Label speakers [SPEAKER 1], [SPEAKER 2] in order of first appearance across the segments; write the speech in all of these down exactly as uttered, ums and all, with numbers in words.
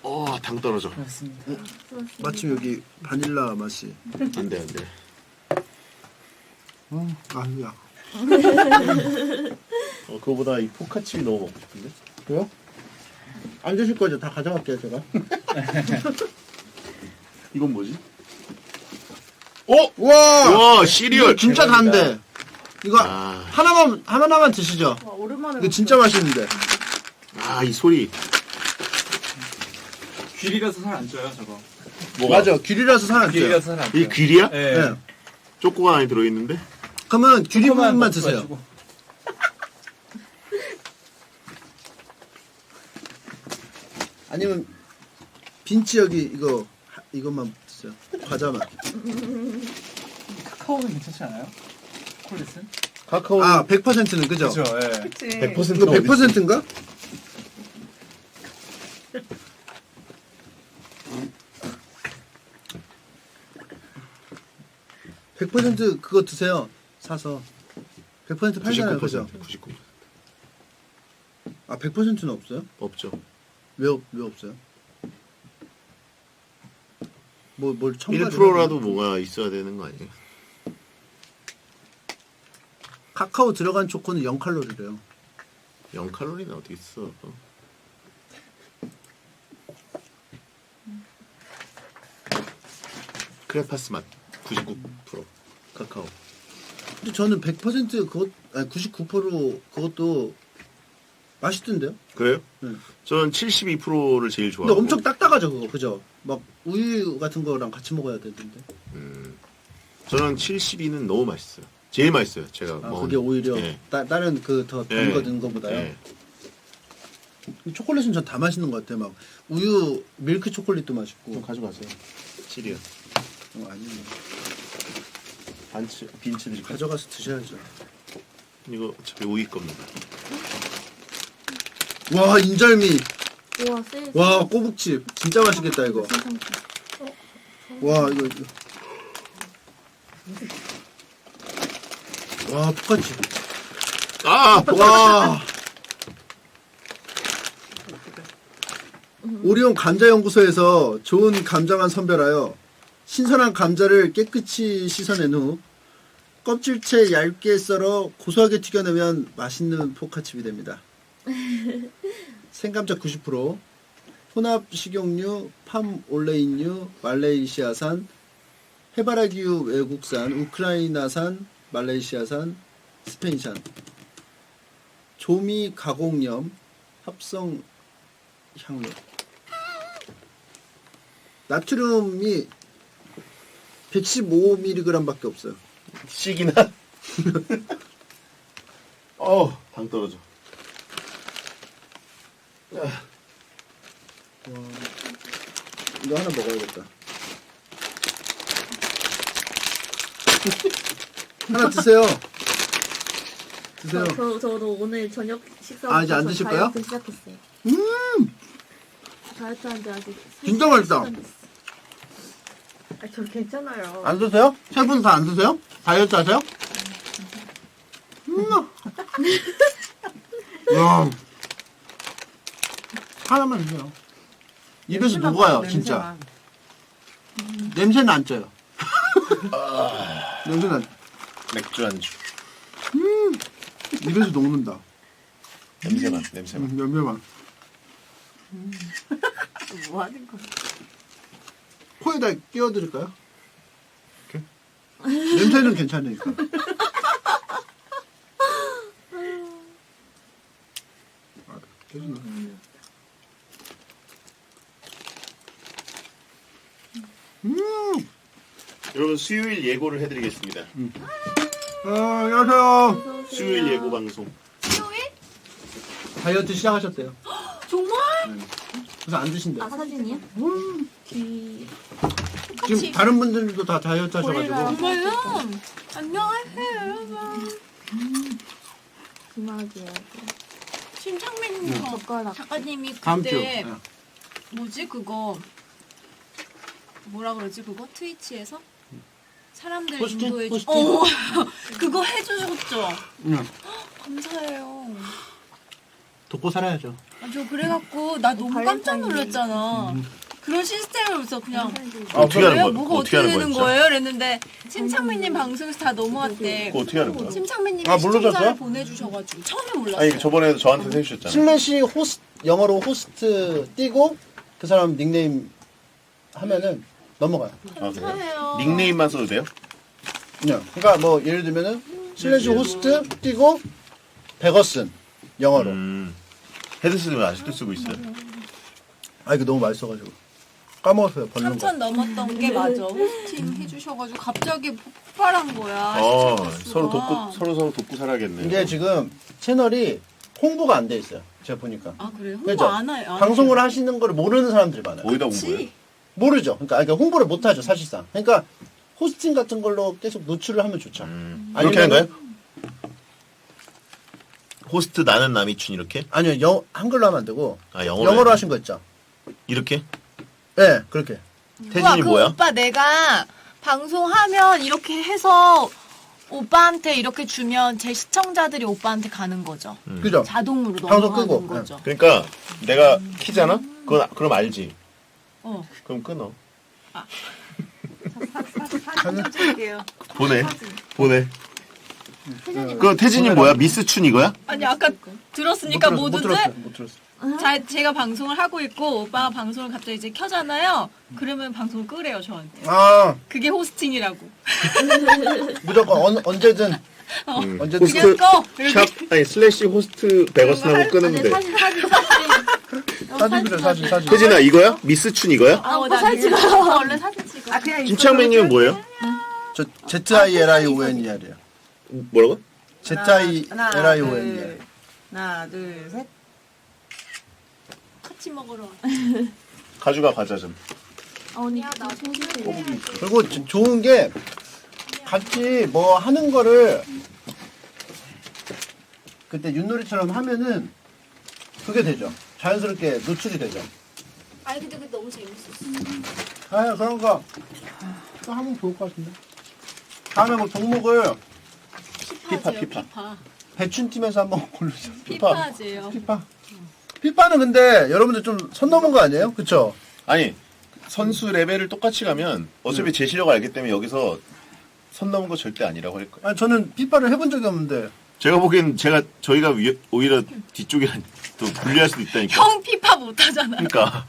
[SPEAKER 1] 어, 당 떨어져.
[SPEAKER 2] 맞습니다.
[SPEAKER 3] 어? 마침 여기 바닐라 맛이.
[SPEAKER 1] 안 돼, 안 돼.
[SPEAKER 3] 음, 아니야.
[SPEAKER 1] 어, 그거보다 이 포카칩이 너무 먹고 싶은데?
[SPEAKER 3] 그래요? 안 드실 거죠? 다 가져갈게요, 제가.
[SPEAKER 1] 이건 뭐지? 어?
[SPEAKER 3] 와!
[SPEAKER 1] 와, 시리얼!
[SPEAKER 3] 이거 진짜 단데. 이거
[SPEAKER 1] 아.
[SPEAKER 3] 하나만, 하나만 드시죠.
[SPEAKER 4] 와, 오랜만에
[SPEAKER 3] 이거 진짜 맛있는데.
[SPEAKER 1] 아, 이 소리.
[SPEAKER 2] 귀리라서 살 안 쪄요, 저거.
[SPEAKER 1] 뭐가?
[SPEAKER 3] 맞아, 귤이라서 살안 쪄요.
[SPEAKER 2] 귀리라서 살 안 쪄요.
[SPEAKER 1] 이 귀리야?
[SPEAKER 2] 네.
[SPEAKER 3] 네.
[SPEAKER 1] 쪼꼬가 안에 들어있는데?
[SPEAKER 3] 그러면 귤이
[SPEAKER 2] 조그만
[SPEAKER 3] 부분만
[SPEAKER 2] 거
[SPEAKER 3] 드세요.
[SPEAKER 2] 가지고.
[SPEAKER 3] 아니면 빈치 여기 이거 하- 이것만 드세요. 과자만.
[SPEAKER 2] 카카오는 괜찮지 않아요? 콜릿은?
[SPEAKER 1] 카카오.
[SPEAKER 3] 아, 백 퍼센트는 그죠?
[SPEAKER 2] 그죠, 예.
[SPEAKER 4] 그치.
[SPEAKER 1] 백 퍼센트
[SPEAKER 3] 이거 백 퍼센트인가? 백 퍼센트 그거 드세요. 사서. 백 퍼센트 팔잖아요. 그죠?
[SPEAKER 1] 구십구 퍼센트.
[SPEAKER 3] 아, 백 퍼센트는 없어요?
[SPEAKER 1] 없죠.
[SPEAKER 3] 왜, 없- 왜 없어요? 뭐, 뭘 첨가를
[SPEAKER 1] 일 퍼센트라도
[SPEAKER 3] 해야 되나?
[SPEAKER 1] 뭐가 있어야 되는 거 아니에요?
[SPEAKER 3] 카카오 들어간 초코는 영 칼로리래요.
[SPEAKER 1] 영 칼로리는 어디 있어? 크레파스 맛 구십구 퍼센트 카카오.
[SPEAKER 3] 근데 저는 백 퍼센트 그것, 아니 구십구 퍼센트 그것도 맛있던데요?
[SPEAKER 1] 그래요?
[SPEAKER 3] 네.
[SPEAKER 1] 저는 칠십이 퍼센트를 제일
[SPEAKER 3] 근데
[SPEAKER 1] 좋아하고.
[SPEAKER 3] 엄청 딱딱하죠 그거 그죠? 막 우유 같은 거랑 같이 먹어야 되는데.
[SPEAKER 1] 음, 저는 칠십이는 너무 맛있어요. 제일 맛있어요. 제가
[SPEAKER 3] 아
[SPEAKER 1] 먹은.
[SPEAKER 3] 그게 오히려
[SPEAKER 1] 예.
[SPEAKER 3] 따, 다른 그 더 단
[SPEAKER 1] 예.
[SPEAKER 3] 거 넣은 거보다요.
[SPEAKER 1] 예.
[SPEAKER 3] 초콜릿은 전 다 맛있는 것 같아요. 막 우유 밀크 초콜릿도 맛있고.
[SPEAKER 1] 가져가세요. 칠이요.
[SPEAKER 3] 어, 아니요.
[SPEAKER 1] 반치 빈치 드릴까요?
[SPEAKER 3] 가져가서 드셔야죠.
[SPEAKER 1] 이거 어차피 우유 겁니다.
[SPEAKER 3] 와 인절미.
[SPEAKER 4] 우와, 세.
[SPEAKER 3] 와 꼬북칩. 진짜 맛있겠다 이거. 와 이거. 이거. 와 포카칩.
[SPEAKER 1] 아!
[SPEAKER 3] 와. 오리온 감자연구소에서 좋은 감자만 선별하여 신선한 감자를 깨끗이 씻어낸 후 껍질째 얇게 썰어 고소하게 튀겨내면 맛있는 포카칩이 됩니다. 생감자 구십 퍼센트, 혼합 식용유, 팜 올레인유, 말레이시아산, 해바라기유 외국산, 우크라이나산, 말레이시아산, 스페인산, 조미 가공염, 합성 향료. 나트륨이 백십오 밀리그램 밖에 없어요.
[SPEAKER 1] 씩이나? 어, 당 떨어져.
[SPEAKER 3] 와, 이거 하나 먹어야겠다. 하나 드세요. 드세요.
[SPEAKER 4] 저, 저, 저도 오늘 저녁 식사
[SPEAKER 3] 아, 이제 안 드실 거예요?
[SPEAKER 4] 다이어트 시작했어요.
[SPEAKER 3] 음,
[SPEAKER 4] 다이어트 한지 아직
[SPEAKER 3] 진짜 맛있다.
[SPEAKER 4] 아, 저 괜찮아요.
[SPEAKER 3] 안 드세요? 세 분 다 안 드세요? 다이어트 하세요? 음. 야. 하나만 드세요. 입에서 녹아요, 진짜. 냄새는 안 쪄요. 냄새는 안,
[SPEAKER 1] 맥주 안주.
[SPEAKER 3] 입에서 녹는다.
[SPEAKER 1] 냄새만, 냄새만.
[SPEAKER 3] 음, 냄새만.
[SPEAKER 4] 뭐 하는 거?
[SPEAKER 3] 코에다 끼워드릴까요? 냄새는 괜찮으니까. 아, 깨지네. 음.
[SPEAKER 1] 여러분 수요일 예고를 해드리겠습니다.
[SPEAKER 3] 어, 안녕하세요.
[SPEAKER 1] 수요일 예고 방송.
[SPEAKER 3] 다이어트 시작하셨대요.
[SPEAKER 4] 정말?
[SPEAKER 3] 그래서 안 드신대.
[SPEAKER 4] 아, 사진이야?
[SPEAKER 3] 음.
[SPEAKER 4] 귀.
[SPEAKER 3] 지금 다른 분들도 다 다이어트 하셔가지고.
[SPEAKER 4] 정말요?
[SPEAKER 5] 안녕하세요 여러분.
[SPEAKER 4] 기막이야.
[SPEAKER 5] 신창민
[SPEAKER 4] 젓가락.
[SPEAKER 5] 작가님이
[SPEAKER 3] 다음 주.
[SPEAKER 5] 그때
[SPEAKER 3] 네.
[SPEAKER 5] 뭐지 그거 뭐라 그러지 그거 트위치에서 사람들
[SPEAKER 3] 포스팅?
[SPEAKER 5] 인도해 주.
[SPEAKER 3] 포스팅?
[SPEAKER 5] 어 그거 해주셨죠.
[SPEAKER 3] 응.
[SPEAKER 5] 감사해요.
[SPEAKER 3] 돕고 살아야죠.
[SPEAKER 5] 아, 저 그래갖고 나 너무 깜짝 놀랐잖아. 그런 시스템을 없어 그냥.
[SPEAKER 1] 아, 어떻게 하는
[SPEAKER 5] 왜요?
[SPEAKER 1] 거야?
[SPEAKER 5] 뭐가 어떻게
[SPEAKER 1] 하는
[SPEAKER 5] 되는
[SPEAKER 1] 거야, 진짜?
[SPEAKER 5] 거예요? 이랬는데 심창민님 방송에서 다 넘어왔대.
[SPEAKER 1] 그거 어떻게 하는 거야?
[SPEAKER 5] 심창민님이
[SPEAKER 3] 아, 몰라졌어요?
[SPEAKER 5] 시청자를 보내주셔가지고 처음에 몰랐어요.
[SPEAKER 1] 아니 저번에도 저한테 해주셨잖아.
[SPEAKER 3] 슬래시 호스 영어로 호스트 띄고 그 사람 닉네임 하면은 넘어가요.
[SPEAKER 1] 아, 그래요?
[SPEAKER 5] 감사해요.
[SPEAKER 1] 닉네임만 써도 돼요?
[SPEAKER 3] 그냥 그러니까 뭐 예를 들면은 슬래시 호스트 띄고 베거슨 영어로.
[SPEAKER 1] 음. 헤드셋을 아직도 쓰고 있어요.
[SPEAKER 3] 아 이거 너무 맛있어가지고 까먹었어요. 벌는 거.
[SPEAKER 5] 삼천 넘었던 게 맞아. 호스팅 해주셔가지고 갑자기 폭발한 거야.
[SPEAKER 1] 어,
[SPEAKER 5] 시청자 수가.
[SPEAKER 1] 서로 돕고 서로 서로 돕고 살아야겠네.
[SPEAKER 3] 이게 지금 채널이 홍보가 안 돼 있어요. 제가 보니까.
[SPEAKER 5] 아 그래요? 홍보
[SPEAKER 3] 그죠?
[SPEAKER 5] 안 해요. 안
[SPEAKER 3] 방송을
[SPEAKER 5] 해요.
[SPEAKER 3] 하시는 걸 모르는 사람들이 많아요.
[SPEAKER 1] 어디다 본 거예요?
[SPEAKER 5] 그치?
[SPEAKER 3] 모르죠. 그러니까, 그러니까 홍보를 못 하죠, 사실상. 그러니까 호스팅 같은 걸로 계속 노출을 하면 좋죠.
[SPEAKER 1] 음.
[SPEAKER 3] 아니면은-
[SPEAKER 1] 그렇게 하는 거예요? 호스트 나는 남이춘 이렇게?
[SPEAKER 3] 아니요, 영, 한글로 하면 안 되고
[SPEAKER 1] 아 영어로.
[SPEAKER 3] 영어로
[SPEAKER 1] 해야
[SPEAKER 3] 하신 거 있죠.
[SPEAKER 1] 돼? 이렇게?
[SPEAKER 3] 네, 그렇게.
[SPEAKER 1] 태진이
[SPEAKER 5] 우와, 그
[SPEAKER 1] 뭐야?
[SPEAKER 5] 오빠 내가 방송하면 이렇게 해서 오빠한테 이렇게 주면 제 시청자들이 오빠한테 가는 거죠.
[SPEAKER 1] 음.
[SPEAKER 3] 그죠?
[SPEAKER 5] 자동으로
[SPEAKER 3] 방송
[SPEAKER 5] 넘어가는
[SPEAKER 3] 끄고,
[SPEAKER 5] 거죠.
[SPEAKER 1] 그러니까 내가 키잖아? 그건 그럼 알지.
[SPEAKER 5] 어.
[SPEAKER 1] 그럼 끊어.
[SPEAKER 4] 사진 찍을게요.
[SPEAKER 1] 보내. 보내.
[SPEAKER 4] 태진이
[SPEAKER 1] 그 태진이 뭐야? 미스춘 이거야?
[SPEAKER 5] 아니 아까 들었으니까
[SPEAKER 3] 못, 들었, 못
[SPEAKER 5] 모두들
[SPEAKER 3] 들었어요. 못 들었어요.
[SPEAKER 5] 자, 제가 방송을 하고 있고 오빠가 방송을 갑자기 이제 켜잖아요. 그러면 방송을 끄래요 저한테.
[SPEAKER 3] 아,
[SPEAKER 5] 그게 호스팅이라고.
[SPEAKER 3] 무조건 언, 언제든
[SPEAKER 1] 음.
[SPEAKER 3] 언제든
[SPEAKER 5] 그냥 꺼. 이렇게.
[SPEAKER 1] 샵 아니 슬래시 호스트 베거슨하고 끊으면 돼.
[SPEAKER 4] 사진 사진 사진.
[SPEAKER 3] 사진 그래 사진 사진.
[SPEAKER 1] 태진아 이거야? 미스춘 이거야?
[SPEAKER 5] 아,
[SPEAKER 4] 오빠
[SPEAKER 5] 나
[SPEAKER 4] 사진
[SPEAKER 5] 이거
[SPEAKER 4] 찍어요.
[SPEAKER 5] 원래 사진 찍어.
[SPEAKER 4] 아 그냥
[SPEAKER 1] 김창민님은 뭐예요?
[SPEAKER 3] 저 Z I L I O N E R이에요.
[SPEAKER 1] 뭐라고?
[SPEAKER 3] Z I L I O N E R.
[SPEAKER 4] 둘, 하나 둘 셋.
[SPEAKER 5] 같이 먹으러 와.
[SPEAKER 1] 가져가 과자 좀.
[SPEAKER 4] 아 언니
[SPEAKER 5] 야, 나
[SPEAKER 3] 그리고 저- 좋은 게 같이 뭐 하는 거를 그때 윷놀이처럼 하면은 그게 되죠. 자연스럽게 노출이 되죠.
[SPEAKER 5] 아니 근데 그게 너무 재밌었어.
[SPEAKER 3] 아 그런 거 또 하면 좋을 것 같은데. 다음에 뭐 종목을
[SPEAKER 1] 피파,
[SPEAKER 5] 피파제요,
[SPEAKER 1] 피파.
[SPEAKER 5] 피파.
[SPEAKER 3] 배춘팀에서 한번 고르죠.
[SPEAKER 5] 피파제요.
[SPEAKER 3] 피파. 피파는 근데 여러분들 좀 선 넘은 거 아니에요? 그쵸?
[SPEAKER 1] 아니 선수 레벨을 똑같이 가면 어차피 제 실력을 알기 때문에 여기서 선 넘은 거 절대 아니라고 할 거예요.
[SPEAKER 3] 아니, 저는 피파를 해본 적이 없는데.
[SPEAKER 1] 제가 보기엔 제가 저희가 위, 오히려 뒤쪽이랑 또 불리할 수도 있다니까.
[SPEAKER 5] 형 피파 못하잖아.
[SPEAKER 1] 그러니까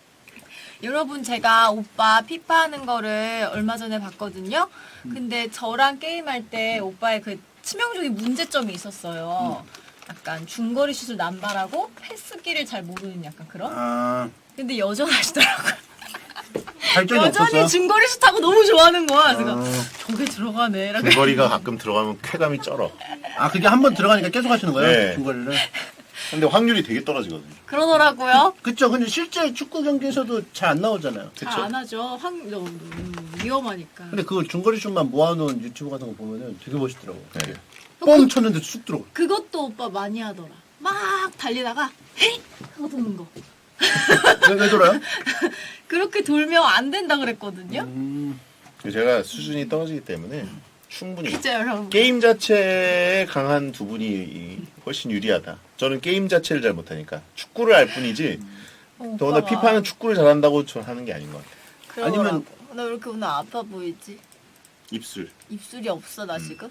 [SPEAKER 5] 여러분 제가 오빠 피파 하는 거를 얼마 전에 봤거든요. 근데 저랑 게임할 때 오빠의 그 치명적인 문제점이 있었어요. 약간 중거리 슛을 남발하고 패스기를 잘 모르는 약간 그런?
[SPEAKER 3] 아,
[SPEAKER 5] 근데 여전하시더라고요.
[SPEAKER 3] 발전이
[SPEAKER 5] 여전히
[SPEAKER 3] 없었어요.
[SPEAKER 5] 중거리 슛하고 너무 좋아하는 거야. 그래서
[SPEAKER 3] 아.
[SPEAKER 5] 저게 들어가네. 이렇게.
[SPEAKER 1] 중거리가 가끔 들어가면 쾌감이 쩔어.
[SPEAKER 3] 아, 그게 한 번 들어가니까 계속 하시는 거예요?
[SPEAKER 1] 네.
[SPEAKER 3] 중거리를.
[SPEAKER 1] 근데 확률이 되게 떨어지거든요.
[SPEAKER 5] 그러더라고요.
[SPEAKER 3] 그쵸. 근데 실제 축구 경기에서도 잘 안 나오잖아요.
[SPEAKER 5] 잘
[SPEAKER 1] 그쵸?
[SPEAKER 5] 안 하죠. 확 너무 음, 위험하니까.
[SPEAKER 3] 근데 그걸 중거리 슛만 모아놓은 유튜브 같은 거 보면은 되게 멋있더라고.
[SPEAKER 1] 네.
[SPEAKER 3] 뻥 쳤는데 쑥 들어가.
[SPEAKER 5] 그것도 오빠 많이 하더라. 막 달리다가 헤이 하고 도는 거.
[SPEAKER 3] 왜, 왜 돌아요?
[SPEAKER 5] 그렇게 돌면 안 된다 그랬거든요.
[SPEAKER 3] 음,
[SPEAKER 1] 제가 수준이 떨어지기 때문에 충분히
[SPEAKER 5] 진짜 여러분.
[SPEAKER 1] 게임 자체에 강한 두 분이 훨씬 유리하다. 저는 게임 자체를 잘 못하니까 축구를 알 뿐이지.
[SPEAKER 5] 어,
[SPEAKER 1] 더구나
[SPEAKER 5] 오빠가
[SPEAKER 1] 피파는 축구를 잘한다고 저 하는 게 아닌 것 같아요.
[SPEAKER 5] 그러더라고.
[SPEAKER 3] 아니면-
[SPEAKER 5] 나 왜 이렇게 오늘 아파 보이지?
[SPEAKER 1] 입술.
[SPEAKER 5] 입술이 없어 나 지금?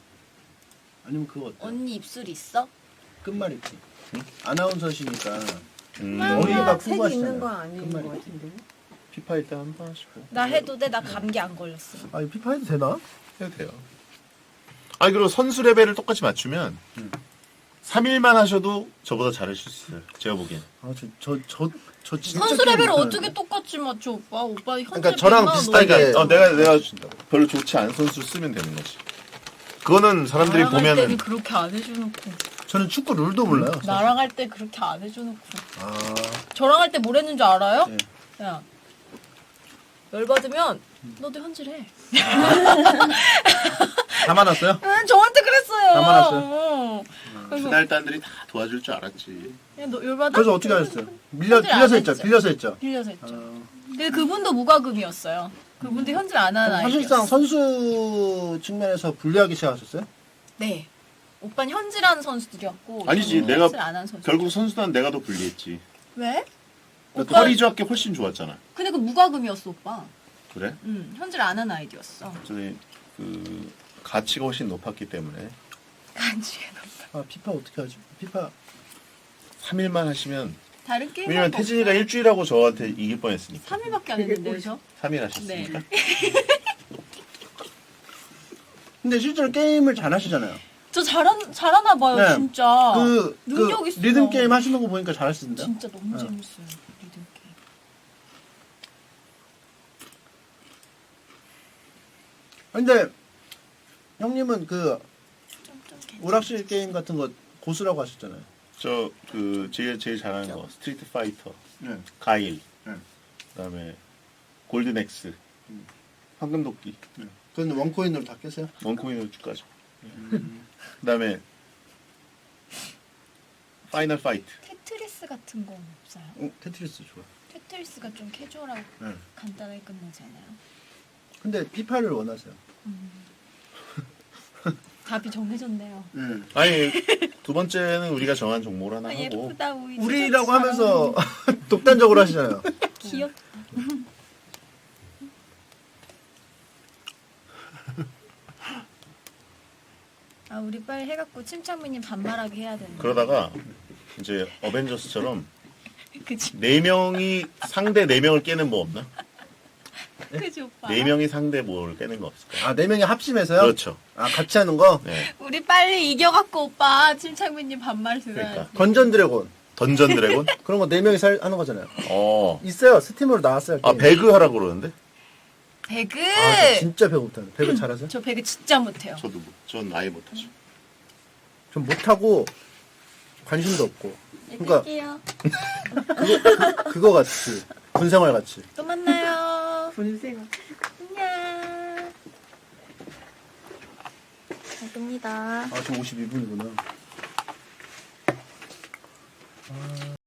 [SPEAKER 3] 아니면 그거 어때?
[SPEAKER 5] 언니 입술 있어?
[SPEAKER 3] 끝말잇기. 아나운서시니까
[SPEAKER 1] 음,
[SPEAKER 3] 머리가
[SPEAKER 4] 색이
[SPEAKER 3] 풍부하시잖아요.
[SPEAKER 4] 있는 거 아닌 거
[SPEAKER 3] 끝말잇기.
[SPEAKER 4] 같은데.
[SPEAKER 1] 피파 일단 한 번 하시고
[SPEAKER 5] 나 해도 돼? 나 감기 안 걸렸어.
[SPEAKER 3] 아, 이 피파 해도 되나?
[SPEAKER 1] 해도 돼요. 아니 그리고 선수 레벨을 똑같이 맞추면
[SPEAKER 3] 음.
[SPEAKER 1] 삼 일만 하셔도 저보다 잘하실 수 있어요. 제가 보기엔.
[SPEAKER 3] 아, 저, 저, 저, 저 진짜.
[SPEAKER 5] 선수
[SPEAKER 3] 게임
[SPEAKER 5] 레벨을
[SPEAKER 3] 못하는데.
[SPEAKER 5] 어떻게 똑같이 맞춰 오빠? 오빠 현재
[SPEAKER 3] 그러니까 저랑
[SPEAKER 5] 백만 원
[SPEAKER 3] 비슷하게-
[SPEAKER 1] 그러니까 어, 내가 내가 별로 좋지 않은 선수를 쓰면 되는 거지. 그거는 사람들이
[SPEAKER 5] 나랑 할
[SPEAKER 1] 보면은
[SPEAKER 5] 때는 그렇게 안 해줘놓고
[SPEAKER 3] 저는 축구 룰도 몰라요. 사실.
[SPEAKER 5] 나랑 할 때 그렇게 안 해줘놓고
[SPEAKER 3] 아,
[SPEAKER 5] 저랑 할 때 뭘 했는 줄 알아요?
[SPEAKER 3] 네.
[SPEAKER 5] 야 열받으면 너도 현질해.
[SPEAKER 3] 다 많았어요?
[SPEAKER 5] 응, 저한테 그랬어요.
[SPEAKER 3] 다 말았어요?
[SPEAKER 5] 어. 그래서
[SPEAKER 1] 그날단들이 다 도와줄 줄 알았지.
[SPEAKER 5] 야, 너 열받아?
[SPEAKER 3] 그래서 어떻게 하셨어요? 빌려,
[SPEAKER 5] 현질 안
[SPEAKER 3] 빌려서 했죠.
[SPEAKER 5] 했죠.
[SPEAKER 3] 빌려서 했죠.
[SPEAKER 5] 빌려서 했죠.
[SPEAKER 3] 아,
[SPEAKER 5] 근데 그분도 무과금이었어요. 그분도 현질 안 하는 아이였어요.
[SPEAKER 3] 사실상 선수 측면에서 불리하기 시작하셨어요?
[SPEAKER 5] 네. 오빠는 현질하는 선수들이었고
[SPEAKER 1] 아니지,
[SPEAKER 5] 저는
[SPEAKER 1] 내가
[SPEAKER 5] 현질 안 하는 선수.
[SPEAKER 1] 결국 선수단 내가 더 불리했지.
[SPEAKER 5] 왜?
[SPEAKER 1] 오빠 허리 조합계 훨씬 좋았잖아.
[SPEAKER 5] 근데 그 무과금이었어 오빠.
[SPEAKER 1] 그래?
[SPEAKER 5] 응, 현질 안 하는 아이디였어.
[SPEAKER 1] 저희 그 가치가 훨씬 높았기 때문에
[SPEAKER 5] 간지.
[SPEAKER 3] 아 피파 어떻게 하죠? 피파
[SPEAKER 1] 삼 일만 하시면
[SPEAKER 5] 다른 게임.
[SPEAKER 1] 왜냐면 태진이가 일주일하고 저한테 이길 뻔했으니까.
[SPEAKER 5] 삼 일밖에 안 했는데요, 저?
[SPEAKER 1] 삼 일 하셨으니까.
[SPEAKER 5] 네.
[SPEAKER 3] 근데 실제로 게임을 잘 하시잖아요.
[SPEAKER 5] 저 잘한 잘하나 봐요,
[SPEAKER 3] 네.
[SPEAKER 5] 진짜.
[SPEAKER 3] 그,
[SPEAKER 5] 능력
[SPEAKER 3] 그
[SPEAKER 5] 있어요.
[SPEAKER 3] 리듬 게임 하시는 거 보니까 잘하시던데요?
[SPEAKER 5] 진짜 너무
[SPEAKER 3] 네.
[SPEAKER 5] 재밌어요. 리듬 게임.
[SPEAKER 3] 근데 형님은 그
[SPEAKER 5] 좀, 좀 괜찮아.
[SPEAKER 3] 오락실 게임 같은 거 고수라고 하셨잖아요.
[SPEAKER 1] 저 그 제일 제일 잘하는 거 스트리트 파이터,
[SPEAKER 3] 네.
[SPEAKER 1] 가일,
[SPEAKER 3] 네.
[SPEAKER 1] 그다음에 골든엑스, 황금도끼,
[SPEAKER 3] 그건 원코인으로 다 깨세요?
[SPEAKER 1] 원코인으로 쭉 가죠. 그다음에 파이널 파이트.
[SPEAKER 5] 테트리스 같은 건 없어요.
[SPEAKER 3] 어, 테트리스 좋아.
[SPEAKER 5] 테트리스가 좀 캐주얼하고
[SPEAKER 3] 네.
[SPEAKER 5] 간단하게 끝나지 않아요?
[SPEAKER 3] 근데 피파를 원하세요.
[SPEAKER 5] 답이 정해졌네요.
[SPEAKER 3] 네.
[SPEAKER 1] 아니 두 번째는 우리가 정한 종목을 하나
[SPEAKER 5] 아,
[SPEAKER 1] 하고
[SPEAKER 5] 예쁘다 우리.
[SPEAKER 3] 우리라고
[SPEAKER 5] 진짜
[SPEAKER 3] 하면서 독단적으로 하시잖아요.
[SPEAKER 5] 귀엽다. 아 우리 빨리 해갖고 침착맨님 반말하게 해야 되는데.
[SPEAKER 1] 그러다가 이제 어벤져스처럼
[SPEAKER 5] 그치
[SPEAKER 1] 네 명이 상대 네 명을 깨는 뭐 없나?
[SPEAKER 5] 그치 오빠.
[SPEAKER 1] 네 명이 상대 뭘 깨는 거 없을까?
[SPEAKER 3] 아, 네 명이 합심해서요?
[SPEAKER 1] 그렇죠.
[SPEAKER 3] 아, 같이 하는 거?
[SPEAKER 1] 네.
[SPEAKER 5] 우리 빨리 이겨갖고 오빠 침착맨님 반말 들어야지.
[SPEAKER 1] 그러니까.
[SPEAKER 3] 던전 드래곤.
[SPEAKER 1] 던전 드래곤?
[SPEAKER 3] 그런 거 네 명이 살, 하는 거잖아요.
[SPEAKER 1] 어.
[SPEAKER 3] 있어요. 스팀으로 나왔어요.
[SPEAKER 1] 아
[SPEAKER 3] 게임.
[SPEAKER 1] 배그 하라고 그러는데?
[SPEAKER 5] 배그.
[SPEAKER 3] 아, 저 진짜 배그 못하는. 배그 잘하세요?
[SPEAKER 5] 저 배그 진짜 못해요.
[SPEAKER 1] 저도 못- 전 아예 못하죠.
[SPEAKER 3] 좀 못하고 관심도 없고. 그러니까
[SPEAKER 5] 끌게요.
[SPEAKER 3] 그거 같이. 군생활 같이.
[SPEAKER 5] 또 만나요.
[SPEAKER 4] 분쇄가.
[SPEAKER 5] 안녕.
[SPEAKER 4] 잘 뜹니다.
[SPEAKER 3] 아, 지금 오십이 분이구나.